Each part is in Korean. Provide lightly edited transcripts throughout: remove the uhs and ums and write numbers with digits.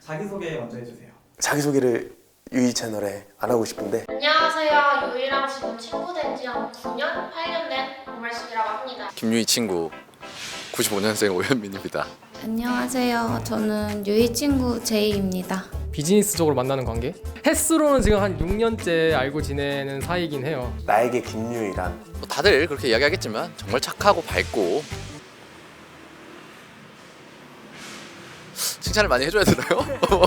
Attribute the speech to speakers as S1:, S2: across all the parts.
S1: 자기소개 먼저 해주세요.
S2: 자기소개를 유이 채널에 안 하고 싶은데.
S3: 안녕하세요. 유이랑 지금 친구 된 지 한 9년, 8년 된 오말숙이라고 합니다.
S4: 김유희 친구 95년생 오현민입니다.
S5: 안녕하세요. 저는 유희 친구 제이입니다.
S6: 비즈니스적으로 만나는 관계? 횟수로는 지금 한 6년째 알고 지내는 사이긴 해요.
S2: 나에게 김유이란.
S4: 뭐 다들 그렇게 이야기하겠지만 정말 착하고 밝고 칭찬을 많이 해줘야 되나요?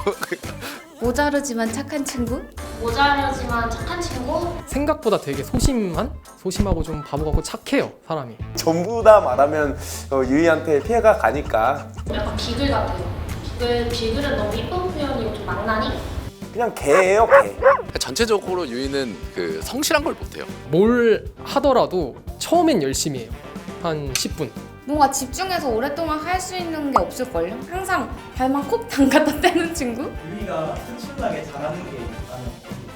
S5: 모자르지만 착한 친구?
S3: 모자르지만 착한 친구?
S6: 생각보다 되게 소심하고 좀 바보 같고 착해요, 사람이.
S2: 전부 다 말하면 유이한테 피해가 가니까
S3: 약간 비글 같아요. 비글은 너무 이쁜 표현이고 좀 망나니?
S2: 그냥 개예요, 개.
S4: 전체적으로 유희는 그 성실한 걸 못해요.
S6: 뭘 하더라도 처음엔 열심히 해요. 한 10분.
S5: 뭔가 집중해서 오랫동안 할 수 있는 게 없을걸요? 항상 발만 콕 담갔다 떼는 친구?
S1: 유이가 특출나게 잘하는 게 있다면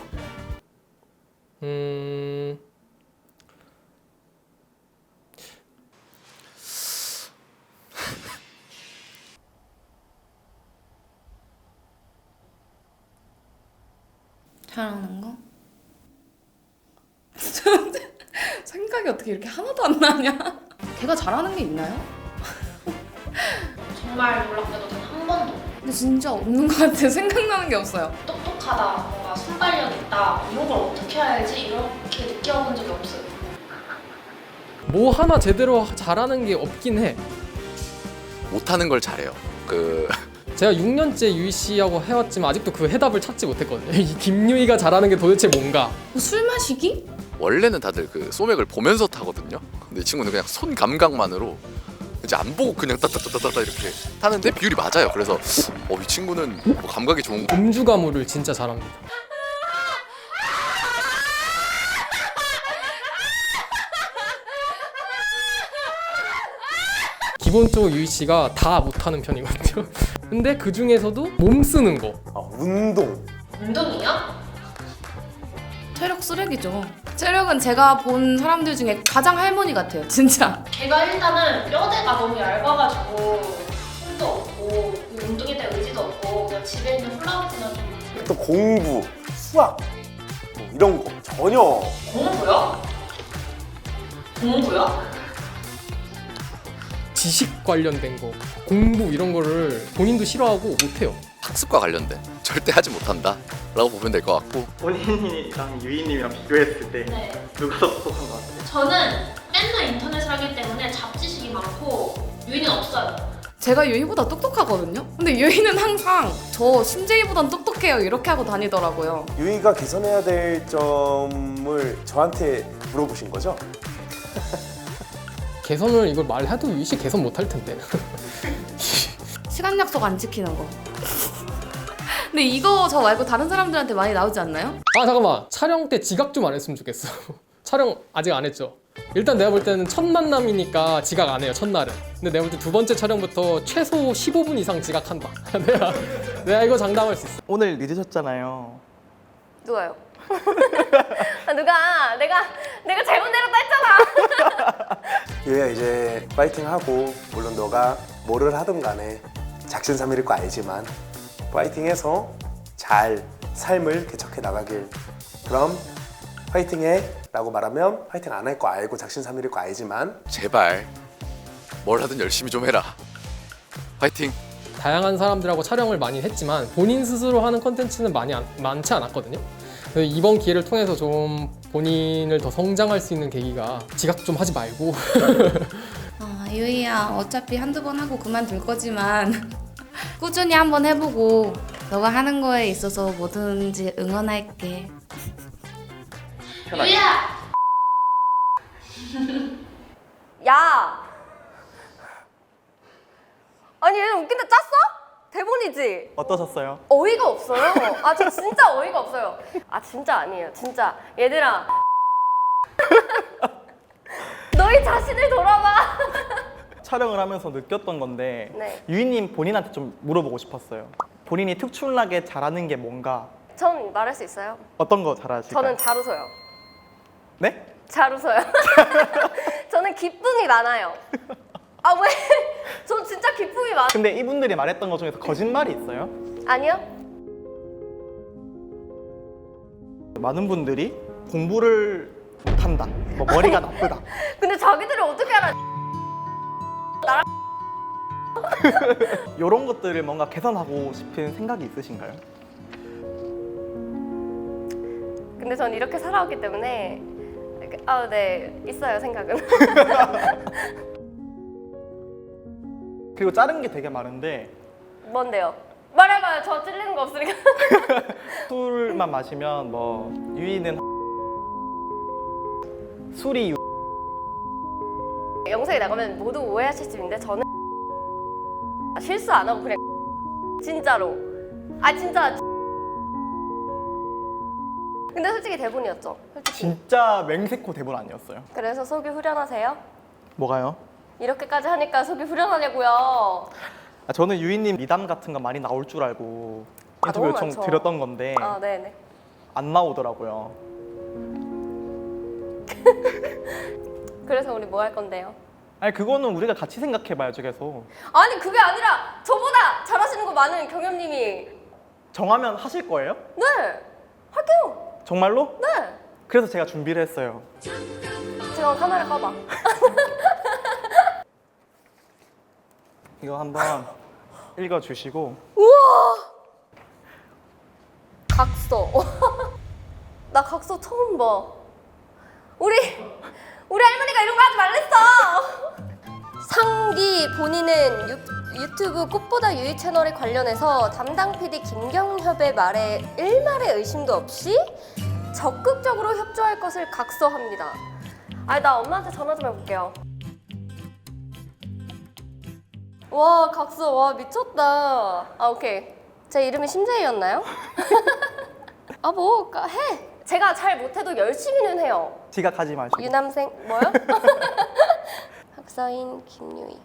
S5: 잘하는 거? 생각이 어떻게 이렇게 하나도 안 나냐? 걔가 잘하는 게 있나요?
S3: 정말 놀랍게도 단 한 번도.
S5: 근데 진짜 없는 것 같아요. 생각나는 게 없어요.
S3: 똑똑하다, 뭔가 순발력 있다, 이런 걸 어떻게 해야지 이렇게 느껴본 적이 없어요.
S6: 뭐 하나 제대로 잘하는 게 없긴 해.
S4: 못하는 걸 잘해요.
S6: 제가 6년째 유희 씨하고 해왔지만 아직도 그 해답을 찾지 못했거든요. 이 김유희가 잘하는 게 도대체 뭔가?
S5: 술 마시기?
S4: 원래는 다들 그 소맥을 보면서 타거든요. 근데 이 친구는 그냥 손 감각만으로 이제 안 보고 그냥 따따따따따 이렇게 타는데 비율이 맞아요. 그래서 이 친구는 뭐 감각이 좋은 거.
S6: 음주 가무를 진짜 잘합니다. 기본적으로 유희 씨가 다 못하는 편이거든요. 근데 그 중에서도 몸 쓰는 거.
S2: 운동.
S3: 운동이요?
S5: 체력 쓰레기죠. 체력은 제가 본 사람들 중에 가장 할머니 같아요. 진짜.
S3: 걔가 일단은 뼈대가 너무 얇아가지고 힘도 없고 운동에 대한 의지도 없고 그냥 집에 있는 훌라후프나 좀.
S2: 또 공부, 수학 뭐 이런 거 전혀.
S3: 공부요? 공부요?
S6: 지식 관련된 거, 공부 이런 거를 본인도 싫어하고 못해요.
S4: 학습과 관련된 절대 하지 못한다 라고 보면 될 것 같고,
S1: 본인이랑 유이님이랑 비교했을 때
S3: 네.
S1: 누가 더 똑똑한 것 같아요?
S3: 저는 맨날 인터넷을 하기 때문에 잡지식이 많고 유인은 없어요.
S5: 제가 유희보다 똑똑하거든요? 근데 유희는 항상 저 심재희보단 똑똑해요 이렇게 하고 다니더라고요.
S2: 유이가 개선해야 될 점을 저한테 물어보신 거죠?
S6: 개선을 이걸 말해도 유희 씨 개선 못할 텐데.
S5: 시간 약속 안 지키는 거. 근데 이거 저 말고 다른 사람들한테 많이 나오지 않나요?
S6: 아 잠깐만, 촬영 때 지각 좀 안 했으면 좋겠어. 촬영 아직 안 했죠? 일단 내가 볼 때는 첫 만남이니까 지각 안 해요, 첫날은. 근데 내가 볼 때 두 번째 촬영부터 최소 15분 이상 지각한다. 내가 이거 장담할 수 있어.
S1: 오늘 늦으셨잖아요.
S7: 누가요? 누가 내가 잘못 내렸다 했잖아.
S2: 유이야 이제 파이팅하고, 물론 너가 뭐를 하든 간에 작심삼일일 거 알지만 파이팅해서 잘 삶을 개척해 나가길. 그럼 파이팅해 라고 말하면 파이팅 안 할 거 알고 작심삼일일 거 알지만
S4: 제발 뭘 하든 열심히 좀 해라. 화이팅!
S6: 다양한 사람들하고 촬영을 많이 했지만 본인 스스로 하는 컨텐츠는 많지 않았거든요. 그래서 이번 기회를 통해서 좀 본인을 더 성장할 수 있는 계기가 지각 좀 하지 말고
S5: 유희야 어차피 한두 번 하고 그만둘 거지만 꾸준히 한번 해보고 너가 하는 거에 있어서 뭐든지 응원할게.
S3: 유이야!
S7: 야. 아니 얘는 웃긴데 짰어? 대본이지?
S1: 어떠셨어요?
S7: 어이가 없어요. 아 저 진짜 어이가 없어요. 아 진짜 아니에요. 진짜 얘들아. 너희 자신을 돌아봐.
S1: 촬영을 하면서 느꼈던 건데
S7: 네.
S1: 유이님 본인한테 좀 물어보고 싶었어요. 본인이 특출나게 잘하는 게 뭔가,
S7: 전 말할 수 있어요.
S1: 어떤 거 잘하실까요?
S7: 저는 잘 웃어요.
S1: 네?
S7: 잘 웃어요. 저는 기쁨이 많아요. 아 왜? 전 진짜 기쁨이 많아.
S1: 근데 이분들이 말했던 것 중에서 거짓말이 있어요?
S7: 아니요?
S1: 많은 분들이 공부를 못한다, 뭐 머리가 나쁘다.
S7: 근데 자기들이 어떻게 알아?
S1: 이런 것들을 뭔가 개선하고 싶은 생각이 있으신가요?
S7: 근데 전 이렇게 살아왔기 때문에 네, 있어요 생각은.
S1: 그리고 자른 게 되게 많은데
S7: 뭔데요? 말해봐요. 저 찔리는 거 없으니까.
S1: 술만 마시면 뭐 유이는 술이
S7: 영상에 나가면 모두 오해하실 수 있는데 저는 실수 안 하고 그냥 진짜로. 아 진짜. 근데 솔직히 대본이었죠. 솔직히.
S1: 진짜 맹세코 대본 아니었어요.
S7: 그래서 속이 후련하세요?
S1: 뭐가요?
S7: 이렇게까지 하니까 속이 후련하냐고요.
S1: 아, 저는 유이님 미담 같은 거 많이 나올 줄 알고
S7: 아,
S1: 인터뷰
S7: 너무
S1: 요청
S7: 많죠.
S1: 드렸던 건데
S7: 아 네네.
S1: 안 나오더라고요.
S7: 그래서 우리 뭐 할 건데요?
S1: 아니 그거는 우리가 같이 생각해봐야죠. 계속
S7: 아니 그게 아니라 저보다 잘하시는 거 많은 경현님이.
S1: 정하면 하실 거예요?
S7: 네 할게요.
S1: 정말로?
S7: 네.
S1: 그래서 제가 준비를 했어요.
S7: 지금 카메라 꺼봐.
S1: 이거 한번 읽어주시고.
S7: 각서. 나 각서 처음 봐. 우리 할머니가 이런 거 하지 말랬어. 상기 본인은 유튜브 꽃보다 유이 채널에 관련해서 담당 PD 김경협의 말에 일말의 의심도 없이 적극적으로 협조할 것을 각서합니다. 아니 나 엄마한테 전화 좀 해볼게요. 와 각서 와 미쳤다. 아 오케이. 제 이름이 심재희였나요? 아 뭐 해. 제가 잘 못해도 열심히는 해요.
S1: 지각하지 마시고.
S7: 유남생 뭐요? 학사인 김유희.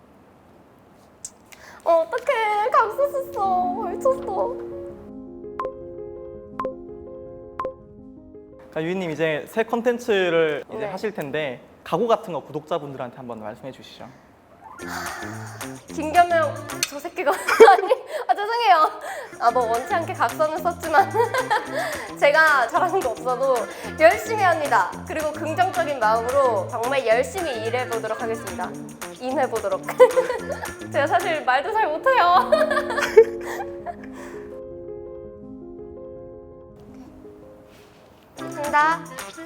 S7: 어떡해 각서 썼어. 미쳤어.
S1: 그러니까 유이님 이제 새 컨텐츠를 이제
S7: 네.
S1: 하실 텐데 각오 같은 거 구독자분들한테 한번 말씀해 주시죠.
S7: 김겸명 저 새끼가 아니 죄송해요. 아 뭐 원치 않게 각서는 썼지만 제가 잘하는 거 없어도 열심히 합니다. 그리고 긍정적인 마음으로 정말 열심히 일해 보도록 하겠습니다. 임해 보도록. 제가 사실 말도 잘 못해요. 한다.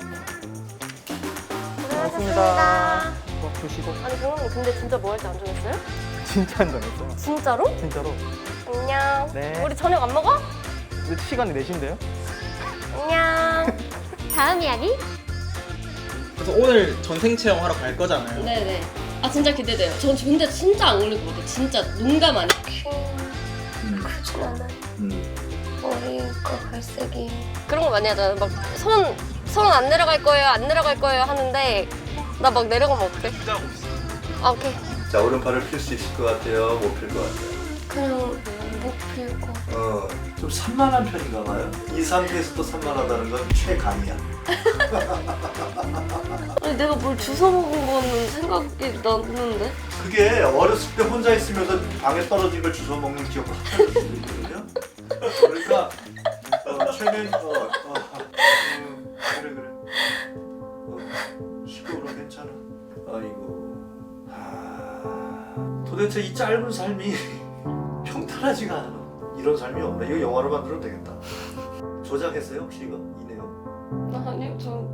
S7: 고생하셨습니다.
S1: 뭐 드시고.
S7: 아니 경영님 근데 진짜 뭐 할지 안 정했어요?
S1: 진짜 안 정했어요.
S7: 진짜로?
S1: 진짜로.
S7: 안녕.
S1: 네.
S7: 우리 저녁 안 먹어?
S1: 근데 시간이 4시인데요?
S7: 안녕. 다음 이야기?
S1: 그래서 오늘 전생 체험하러 갈 거잖아요.
S7: 네네. 아 진짜 기대돼요. 전 근데 진짜 안 걸릴 것 같아. 진짜 농담 아니야. 크진 않아. 머리가 갈색이. 그런 거 많이 하잖아. 막 손 안 내려갈 거예요. 안 내려갈 거예요 하는데 나 막 내려가면 어떡해? 아 오케이.
S8: 자, 오른팔을 필 수 있을 것 같아요? 못 필 것 같아요?
S7: 그냥 못 필 거.
S8: 좀 산만한 편인가 봐요. 이 상태에서도 산만하다는 건 최강이야.
S7: 아니 내가 뭘 주워 먹은 거는 생각이 났는데.
S8: 그게 어렸을 때 혼자 있으면서 방에 떨어진 걸 주워 먹는 기억을 하나도 있거든요. 그러니까 최근 그래. 시끄러워 괜찮아. 아이고. 도대체 이 짧은 삶이 평탄하지가 않아. 이런 삶이 없네. 이거 영화로 만들어도 되겠다. 조작했어요 혹시 이거 이 내용?
S7: 아니요 저